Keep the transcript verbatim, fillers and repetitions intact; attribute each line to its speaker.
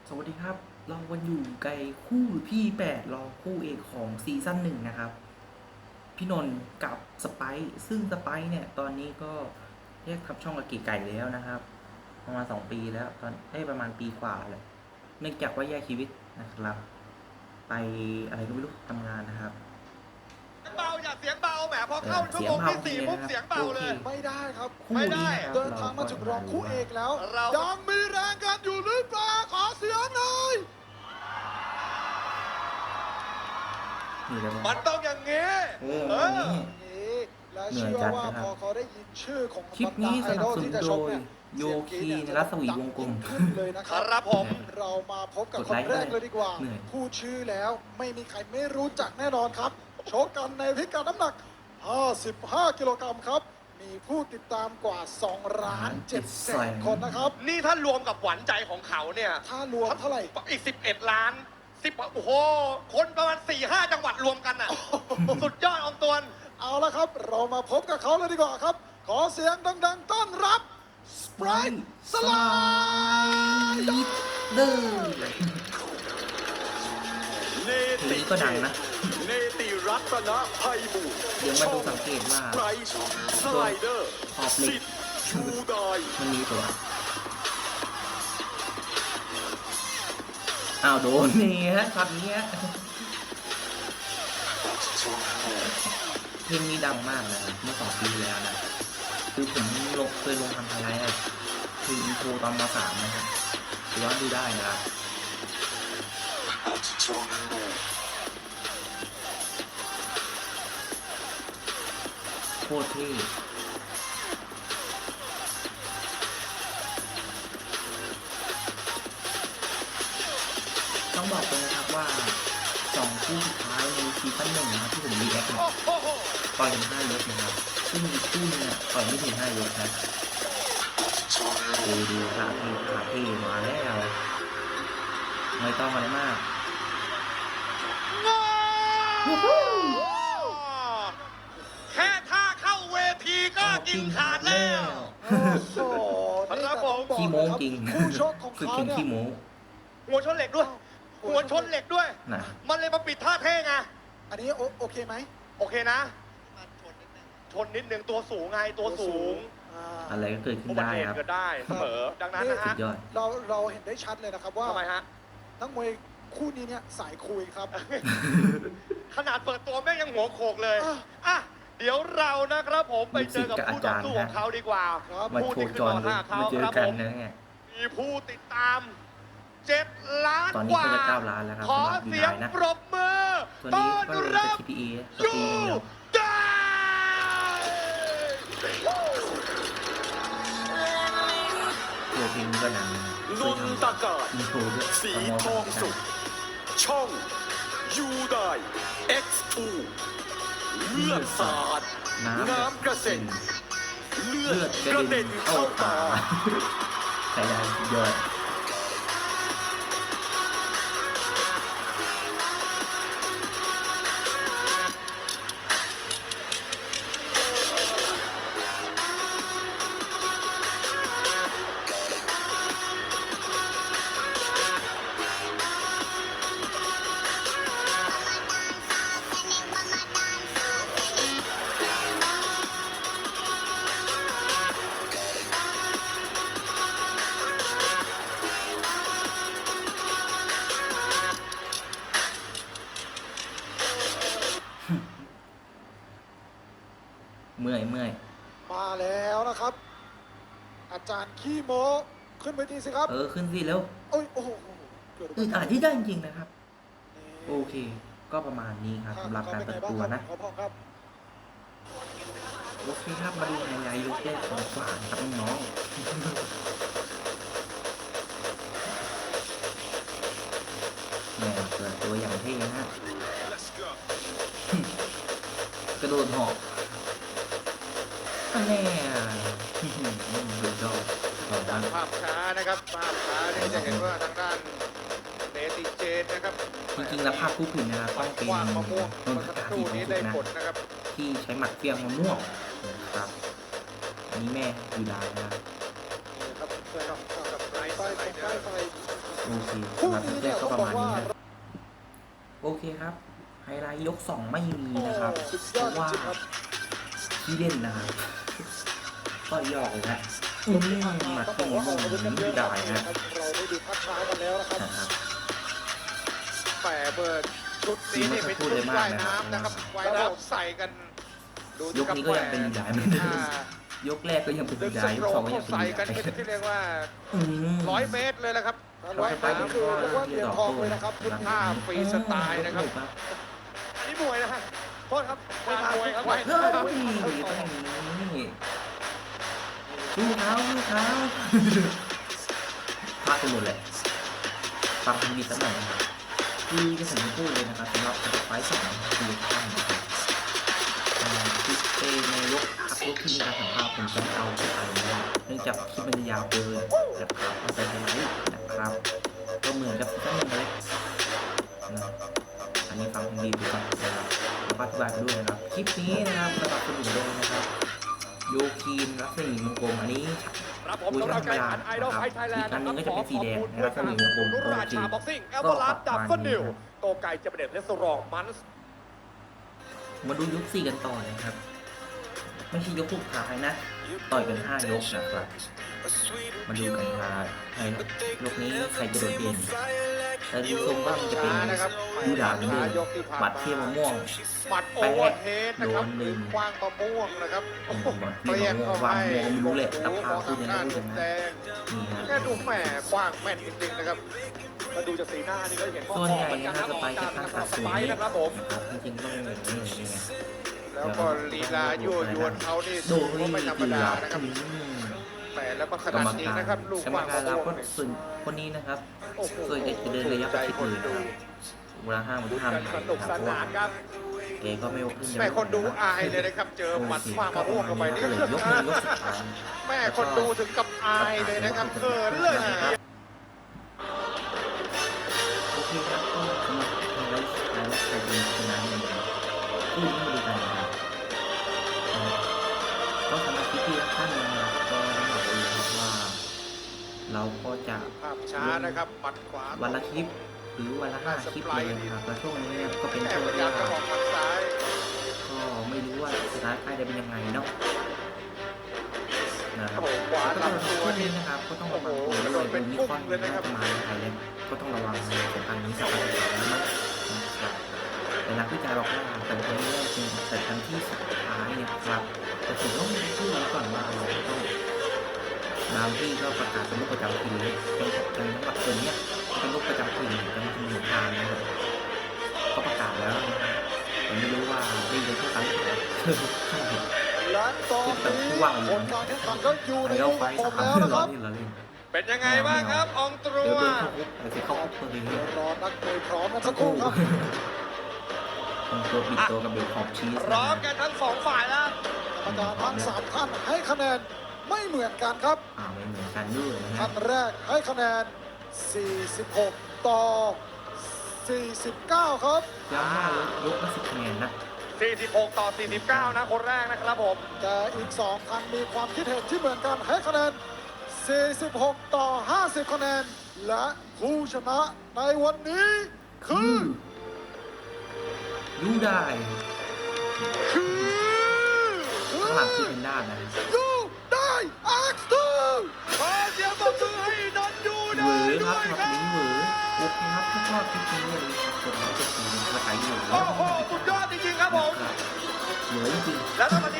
Speaker 1: สวัสดีครับเราวันอยู่ไกลคู่พี่แปดรอคู่เอกของซีซั่นหนึ่งนะครับพี่นนท์กับสไปซ์ซึ่งสไปซ์เนี่ยตอนนี้ก็แยกทับช่องกับเก๋ไก่แล้วนะครับประมาณสองปีแล้วตอนได้ประมาณปีกว่าเลยเนื่องจากว่าแยกชีวิตนะครับไปอะไรก็ไม่รู้ทำงานนะครับ
Speaker 2: เบาอย่าเสียงเบาแหมพอเข้าชั่ว
Speaker 1: เสีย
Speaker 2: โม
Speaker 1: ง
Speaker 2: ง
Speaker 1: เบา
Speaker 2: ที่สี่
Speaker 1: เลย
Speaker 2: ปุ๊บ
Speaker 1: นะครับ
Speaker 2: เสียงเบาเลย
Speaker 1: โอเค
Speaker 3: ไม่ได้ครับ
Speaker 1: คู่
Speaker 2: ไม่ได้
Speaker 1: นี้นะครับ
Speaker 3: เดินทางมาถึงรองคู่เอกแล้ว
Speaker 2: เรา
Speaker 3: ยังมีแรงกันอยู่หรือเปล่าขอเสียงหน่อย
Speaker 1: นี่เลย
Speaker 2: มันต้องอย่างงี้
Speaker 1: เออ
Speaker 2: เอ
Speaker 1: วัน
Speaker 2: อ
Speaker 1: นี้
Speaker 3: นี่และ
Speaker 1: เหนื่อย
Speaker 3: เชื่อ
Speaker 1: จัด
Speaker 3: ว่า
Speaker 1: นะครับ
Speaker 3: พอเขาได้ยินชื่อของ
Speaker 1: คลิปนี้สนับสนุน
Speaker 3: ที่จะชกเนี่ย
Speaker 1: โดยโยคีนรัศมีวงกลม
Speaker 3: เสียงกรี๊ดเนี่ยจะดังยิ่งขึ้นเลยนะค
Speaker 2: ครับ รับผม
Speaker 3: เรามาพบกับ
Speaker 1: กด
Speaker 3: คน
Speaker 1: ไลค์
Speaker 3: แรกเลยดีกว่า
Speaker 1: เหนื่อย
Speaker 3: พูดชื่อแล้วไม่มีใครไม่รู้จักแน่นอนครับชกกันในพิกัดน้ำหนัก ห้าสิบห้า กิโลกรัมครับ มีผู้ติดตามกว่า2ล้าน7แสนคนนะครับ
Speaker 2: นี่ถ้ารวมกับหวานใจของเขาเนี่ย
Speaker 3: ถ้ารวมเท่าไหร่
Speaker 2: อีกสิบเอ็ดล้านสิบโอ้โห คนประมาณสี่ห้าจังหวัดรวมกันอ่ะ สุดยอดอองตวน
Speaker 3: เอาละครับ เรามาพบกับเขาเลยดีกว่าครับ ขอเสียงดังๆ ต้อนรับสไปร์สไลด์
Speaker 1: เด้อ
Speaker 4: เน
Speaker 1: เพลงก็ดังนะ
Speaker 4: เนติรัตนไพบูลย์
Speaker 1: เดี๋ยวมาดูสังเกตว่า
Speaker 4: ไพรส์สไลเดอร์
Speaker 1: ขอบเหล็ก
Speaker 4: สิทธิ์ชูดอย
Speaker 1: มันมีตัวอ้าวโดนนี่ฮะช็อตนี้ฮะเพลงนี้ดังมากนะครับเมื่อสองปีที่แล้วนะคือผมลงเคยลงทำไฮไลท์อะคืออินโทรตอนมสามนะครับย้อนดูได้นะครับโคตรเท่ต้องบอกเลยนะครับว่าสองคู่สุดท้ายในซีซั่นหนึ่งนะครับที่ผมรีแอคเนี่ย
Speaker 2: โอ้โห
Speaker 1: ต่อยกันห้ายกนะครับซึ่งอีกคู่นึงเนี่ยต่อยไม่ถึงห้ายกนะดูดูขาเทขาเทมาแล้วไม่ต้องอะไรมาก
Speaker 2: แค่ท่าเข้าเวทีก็กินขาดแล้ว
Speaker 3: โอ้โหนี่
Speaker 2: ครับ
Speaker 3: ก็
Speaker 2: ผ
Speaker 3: ต้อ
Speaker 2: ม
Speaker 3: งบอก
Speaker 1: ขี้โม้
Speaker 3: นะครับ
Speaker 1: จริง
Speaker 3: คู่ชกของ
Speaker 1: สุด
Speaker 3: เขา
Speaker 1: เก่ง
Speaker 3: เนี่ย
Speaker 1: ขี้โม้
Speaker 2: หัวชนเหล็กด้วย หัวชนเหล็กด้วย
Speaker 1: นะ
Speaker 2: มันเลยมาปิดท่าเท่ไง
Speaker 3: อันนี้โอโอเคไหม
Speaker 2: โอเคนะ ชนนิดนึงตัวสูงไงตัวสูง
Speaker 3: อ่า
Speaker 1: อะไรก็เกิดขึ้
Speaker 2: อุ
Speaker 1: น
Speaker 2: บัติ
Speaker 1: ได้
Speaker 2: เหตุ
Speaker 1: ครับ
Speaker 2: เกิดได้เสมอ ดังนั้นนะ
Speaker 1: สุ
Speaker 2: ฮะ
Speaker 1: ดยอด
Speaker 3: เราเราเห็นได้ชัดเลยนะครับว่า
Speaker 2: ทำไมฮะ
Speaker 3: นักมวยคู่นี้เนี่ยสายคุยครับ
Speaker 2: ขนาดเปิดตัวแม่งยังหัวโขกเลย
Speaker 3: อ่ะ
Speaker 2: อ่ะ เดี๋ยวเรานะครับผมไปเจอกับ
Speaker 1: ลูกศิษย์กับ
Speaker 2: คู่
Speaker 1: อา
Speaker 2: ต่อ
Speaker 1: จารย์
Speaker 2: สู้ของเขาดีกว่า
Speaker 3: ครับ
Speaker 1: มา
Speaker 2: ผู้
Speaker 1: โช
Speaker 2: ที่
Speaker 1: ว์
Speaker 2: ขึ้น
Speaker 1: จอ
Speaker 2: ม
Speaker 1: นเลย
Speaker 2: ห้าเขา
Speaker 1: มาเจอ
Speaker 2: ครับ
Speaker 1: กั
Speaker 2: ผ
Speaker 1: น
Speaker 2: ม
Speaker 1: นะเนี่ย
Speaker 2: มีผู้ติดตามเจ็ดล้าน
Speaker 1: ตอนนี้
Speaker 2: กว่า
Speaker 1: ก็จะเก้าล้านแล้วครับ
Speaker 2: ขอ
Speaker 1: สำหรับ
Speaker 2: เสียง
Speaker 1: ยูไนนะ
Speaker 2: ปรบมือ
Speaker 1: ตัว
Speaker 2: ต้
Speaker 1: นี้
Speaker 2: อน
Speaker 1: ก็เลย
Speaker 2: รั
Speaker 1: จะ
Speaker 2: บ
Speaker 1: ที พี เอ ส
Speaker 2: ยู
Speaker 1: ตรีมเดียว
Speaker 2: ได้
Speaker 1: ตัวเพลงนี้ก็ดังนะ
Speaker 4: น
Speaker 1: เคย
Speaker 4: น
Speaker 1: ทำ
Speaker 4: ตะการ
Speaker 1: อินโทรด้วย
Speaker 4: สี
Speaker 1: ตอนม
Speaker 4: ท
Speaker 1: สา
Speaker 4: อ
Speaker 1: ม
Speaker 4: งสุข ช่องยูได เอ็กซ์ ทู เลือดสาด
Speaker 1: น้ำ
Speaker 4: น้ำกระเซ็น เลือ
Speaker 1: เลือ
Speaker 4: ด
Speaker 1: ด
Speaker 4: ก
Speaker 1: ก
Speaker 4: ระ
Speaker 1: ระ
Speaker 4: เด็
Speaker 1: เด็
Speaker 4: น
Speaker 1: น
Speaker 4: เข้า
Speaker 1: เข้า
Speaker 4: ตา
Speaker 1: ตาใช่ได้สุดยอด เมื่อยเมื่อย
Speaker 3: มาแล้วนะครับ อาจารย์ขี้โมขึ้นเวทีสิครับ
Speaker 1: เออ ขึ้นสิแล้ว
Speaker 3: โอ้ยโอ้โหเกิด
Speaker 1: อึดอัดที่ได้จริงๆนะครับ
Speaker 3: นี่
Speaker 1: โอเค ก็ประมาณนี้ครับสำหรับการเปิดตัวนะ
Speaker 3: ขอพอครับ
Speaker 1: โอเคครับ มาดูไฮไลท์ยกแรกของฝานครับน้องๆแหม่เปิดตัวอย่างเท่นะฮะ กระโดดหอกอันแน่ดูดอกดอกดัง
Speaker 2: ภาพช้านะครับภาพช้านี่จะเห็นว่าทางด้านเนติเจนนะครับ
Speaker 1: จริงๆแล้วภาพผู้ผิดนะครับต้องเป็น
Speaker 2: กว้างมะม่วง
Speaker 1: นนท
Speaker 2: เมื่อสัก
Speaker 1: กา
Speaker 2: ครู่
Speaker 1: ที่
Speaker 2: นี้
Speaker 1: ถู
Speaker 2: ได้
Speaker 1: กนะ
Speaker 2: ผลนะครับ
Speaker 1: ที่ใช้หมัดเฟียงมะม่วงนะครับอันนี้แม่ยูดานะครับ
Speaker 2: นี่ครับเพื่อนกับไบรท์
Speaker 3: ไป
Speaker 2: สไล
Speaker 3: ไป
Speaker 2: เดอร์
Speaker 3: ไป
Speaker 1: นโอเค
Speaker 3: คู่
Speaker 1: สำหรับ
Speaker 3: นี้
Speaker 1: แร
Speaker 3: เนี่ย
Speaker 1: กๆก็
Speaker 3: ต้อง
Speaker 1: ประ
Speaker 3: บอ
Speaker 1: มาณ
Speaker 3: กว่า
Speaker 1: นี้นะโอเคครับไฮไลท์ยกสองไม่มี
Speaker 3: โอ้
Speaker 1: นะครับ
Speaker 3: สุด
Speaker 1: เพ
Speaker 3: ยอด
Speaker 1: ราะ
Speaker 3: จ
Speaker 1: ว่า
Speaker 3: ริงๆครับ
Speaker 1: ที่เล่นนะครับก็ยอกเลยนะอืมหมัด
Speaker 3: ต้องบ
Speaker 1: ที่
Speaker 3: อก
Speaker 1: มี
Speaker 3: ว่าอ
Speaker 1: มุ
Speaker 3: อก
Speaker 1: ม
Speaker 3: อาวุธกันเย
Speaker 1: ที่
Speaker 3: อะ
Speaker 1: ได้
Speaker 3: นะ
Speaker 1: นะ
Speaker 3: ครับเราได้ดูภาพช้ากันแล้วนะครับ
Speaker 1: นะครับ
Speaker 2: แปเบิร์ดชุดนี้นี่เป็นชุดว่ายน้ำนะครับว่ายน้ำใส่กันดู
Speaker 1: ยกนี้ก็ยังเป็นดีได้เหมือนเดิมยกแรกก็ยังเป็น
Speaker 2: ดึ
Speaker 1: ดี
Speaker 2: ง
Speaker 1: ได้
Speaker 2: ส
Speaker 1: ย
Speaker 2: โต
Speaker 1: ก
Speaker 2: ร
Speaker 1: สอง
Speaker 2: ก
Speaker 1: ก็ยังเป็น
Speaker 2: ใส่
Speaker 1: ดี
Speaker 2: กัน
Speaker 1: ได้
Speaker 2: เป็นที่เรียกว่า
Speaker 1: อืม
Speaker 2: ร้อยเมตรเลยนะครับ
Speaker 3: การว่ายน้ำคือเรียกว่าเหรียญทองเลยนะครับชุดนี้
Speaker 2: ท่าฟรีสไตล์นะครับ นี่มวยนะฮะโทษครับไม่ทามวยครับ
Speaker 1: เฮ้ย
Speaker 2: ว่ายน้ำ
Speaker 1: ต้องอย่างนี้ดูเท้าดูเท้าพลาดไปหมดเลยฟังทางดีสักหน่อยนะครับคือจะผมจะพูดเลยนะครับสำหรับไฟล์สองคือท่านนะครับอ่าคือเอในยกพักยกที่มีการสัมภาษณ์ผมจะไม่เอาไปอ่านนะเนื่องจากคลิปมันยาวเกินนะครับเอาไปไฮไลท์นะครับก็เหมือนกับท่านหนึ่งเลยนะอันนี้ฟังทางดีดูก่อนนะครับแล้วก็อธิบายไปด้วยนะครับคลิปนี้นะครับสำหรับคนอื่นโดยนะครับโยคีนรัศมีมงกลมอันนี้
Speaker 2: ครับผมสำหรับการแข่งขันไอดอลไฟไทยแลนด์
Speaker 1: อีกอันหนึ่งก็จะเป็นสีแดง
Speaker 2: ขอขอบคุณ
Speaker 1: นะครับ
Speaker 2: ด้วยการราชาบ็อกซิ่งเอลเวอร์ลัสดับเบิลนิวโกไก่จะเป็นเด็ดเลสโตรองมันส์
Speaker 1: มาดูยกสี่กันต่อนะครับ ไม่ใช่ยกสุดท้ายนะ ต่อยกันห้ายกนะครับ มาดูกันว่าในยกนี้ใครจะโดดเด่นแต่ดูทรงว่ามันจะเป็น
Speaker 2: นะครับ
Speaker 1: ยูดาเหมือนเดิมหมัดเทียมมะม่วง
Speaker 2: หมัดโอเวอร์เฮดนะครับ
Speaker 1: โดนหนึ่ง
Speaker 2: คว้างมะม่วงนะครับ
Speaker 1: โอ้โหหมัดเทียมมะม่วงวางมวงไม่รู้เลยตับพาพูดยังไงพูดยังไง
Speaker 2: แดง
Speaker 1: นี่ฮะ
Speaker 2: แค่ดูแหม่คว้างแม่นจริงๆนะครับมาดูจากสีหน้านี่ก็เห็นว่า
Speaker 1: ส่วนใหญ่
Speaker 2: เหมือนกัน
Speaker 1: นะ
Speaker 2: นะครับ
Speaker 1: สไปค์จะตั้ง
Speaker 2: ส
Speaker 1: ขาสูง
Speaker 2: ไปร์นะครับผม
Speaker 1: นะครับจริงๆต้องอย่างนี้อย่างนี้ไง
Speaker 2: แล้วก็ลีลายั่วยวนเขานี่
Speaker 1: ดู
Speaker 2: ก็ไม่ธรรมดานะครับ
Speaker 1: อืม
Speaker 2: แต่แล้วก็ข
Speaker 1: กร
Speaker 2: นาด
Speaker 1: รม
Speaker 2: นี้
Speaker 1: การ
Speaker 2: นะครับลูก
Speaker 1: กรรม
Speaker 2: ว่าง
Speaker 1: การ
Speaker 2: มะ
Speaker 1: เรา
Speaker 2: ม่ว
Speaker 1: ก็
Speaker 2: งเนี่ย
Speaker 1: ส่วนคนนี้นะครับ
Speaker 2: โอ้โห
Speaker 1: ส่วนใหญ่จะเดินระยะประชิดเลย
Speaker 2: ดู
Speaker 1: นะครับเวลาห้ามมัน
Speaker 2: ดู
Speaker 1: ห้าม
Speaker 2: กัน
Speaker 1: ไม่
Speaker 2: ส
Speaker 1: ได้
Speaker 2: นุก
Speaker 1: นะค
Speaker 2: ส
Speaker 1: รับเพราะ
Speaker 2: นา
Speaker 1: ว่าน
Speaker 2: ครับ
Speaker 1: เอก็ไม่ขึ้น
Speaker 2: แม่คนดูอายเลยนะครับ เจอหมัดคว้างมะม่วงเข้าไปนี่
Speaker 1: ก็เลยยกมือยกสุดท้าย
Speaker 2: แม่คนดูถึงกับอายเลยนะครับเขินเลยทีเดียว
Speaker 1: โอเคครับก็สำหรับไฮไลท์สุดท้ายและใครเป็นชนะในคู่ที่มาดูกันนะครับก็สำหรับพี่ๆท่านนะครับก็ต้องบอกเลยครับว่า เราก็จะ
Speaker 2: ภาพช้านะครับหมัดขวา
Speaker 1: วันละคลิปหรือวันละห้าคลิปเลยนะครับแล้วช่วงนี้เนี่ยก็เป็น
Speaker 2: แม่
Speaker 1: ช่วง
Speaker 2: พยา
Speaker 1: ที่
Speaker 2: ยามจะอ
Speaker 1: ว่า
Speaker 2: อกหมัดซ้าย
Speaker 1: ก็ไม่รู้ว่าสถานการณ์จะเป็นยังไงเนาะนะครั
Speaker 2: โอ้
Speaker 1: บ
Speaker 2: โหขวา
Speaker 1: ก็
Speaker 2: ลำ
Speaker 1: ต้
Speaker 2: ตั
Speaker 1: อง
Speaker 2: ว
Speaker 1: ช่วง
Speaker 2: นี่
Speaker 1: นี้นะครับก็ต้องระวัง
Speaker 2: โอ้โห
Speaker 1: ตัว
Speaker 2: โด
Speaker 1: ด้วย
Speaker 2: นเป็น
Speaker 1: มี
Speaker 2: ปุ้ง
Speaker 1: คอน
Speaker 2: เลยนะครับ
Speaker 1: จะมาในไทยแล้วก็ต้องระวังในสถานการณ์นี้สำคัญที่สุดแล้วนะครับแต่นักวิจัยบอกว่าแต่ครั้งนี้เป็นแต่ครั้งที่สุดท้ายเนี่ยครับแต่ผมต้องพูดไว้ก่อนว่าเราต้องบางที่ก็ประกาศเป็นโรคประจำถิ่นเลยเป็นจังหวัดคนเนี้ยเป็นโรคประจำถิ่นจังหวัดสมุทรปราการนะครับก็ประกาศแล้วนะครับแต่ไม่รู้ว่าได้ยินเท่าไหร่หรือเปล่าใช่ครับ
Speaker 3: และตอนนี้ผลการแข่งขันก็อยู่ใน
Speaker 1: ไอ้เรา
Speaker 3: มือ
Speaker 1: ไฟ
Speaker 3: ของผม
Speaker 1: สาม
Speaker 3: แล้วนะค
Speaker 1: ร้อ
Speaker 3: รั
Speaker 1: ย
Speaker 3: บ
Speaker 1: นี่เราเล่น
Speaker 2: เป็นยังไงบ้างครับอองตรั
Speaker 1: เดี๋ยว
Speaker 2: ว
Speaker 1: โดนเข้าคุกเดี๋ยวเข้าคุกตัวนี้
Speaker 3: เดี๋ยวรอนักมวยพร้อมกันสักครู่ครับ
Speaker 1: ต้องตัวปิดตัวกับเบลขอบชีส
Speaker 2: พร้อมกันทั้งสองฝ่ายแล้ว
Speaker 3: กรรมการทั้งสามท่านให้คะแนนไม่เหมือนกันครับ
Speaker 1: อ่าไม่เหมือนกันด้วยนะฮะ
Speaker 3: ท่านแรกให้คะแนน สี่สิบหก ต่อ สี่สิบเก้า ครับ
Speaker 1: ย้ำว่ายกละสิบคะแนนนะ
Speaker 2: สี่สิบหก ต่อ สี่สิบเก้า นะ คนแรกนะครับผม
Speaker 3: แต่อีกสองท่านมีความคิดเห็นที่เหมือนกันให้คะแนน สี่สิบหก ต่อ ห้าสิบ คะแนน และผู้ชนะในวันนี้คือ
Speaker 1: ยูได้
Speaker 3: คือ
Speaker 1: ข้างหลังคือเป็นด้านนะ
Speaker 3: ยูได้เอ็กซ์ทู
Speaker 2: ขอเสียงปรบมือให้นนท์ยู
Speaker 1: เหว
Speaker 2: ได้
Speaker 1: อค
Speaker 2: ด้
Speaker 1: รับ
Speaker 2: วย
Speaker 1: ค
Speaker 2: ค
Speaker 1: รั
Speaker 2: รั
Speaker 1: บบ นี้เหวอโอเคครับถ้าชอบคลิปนี้อย่าลืมกดไลค์กดแชร์กดติดตามกระต่ายอยู่
Speaker 2: โอ้โห สุดยอดจริงๆครับผม
Speaker 1: เหวอจริง
Speaker 2: แล้วตอนนี้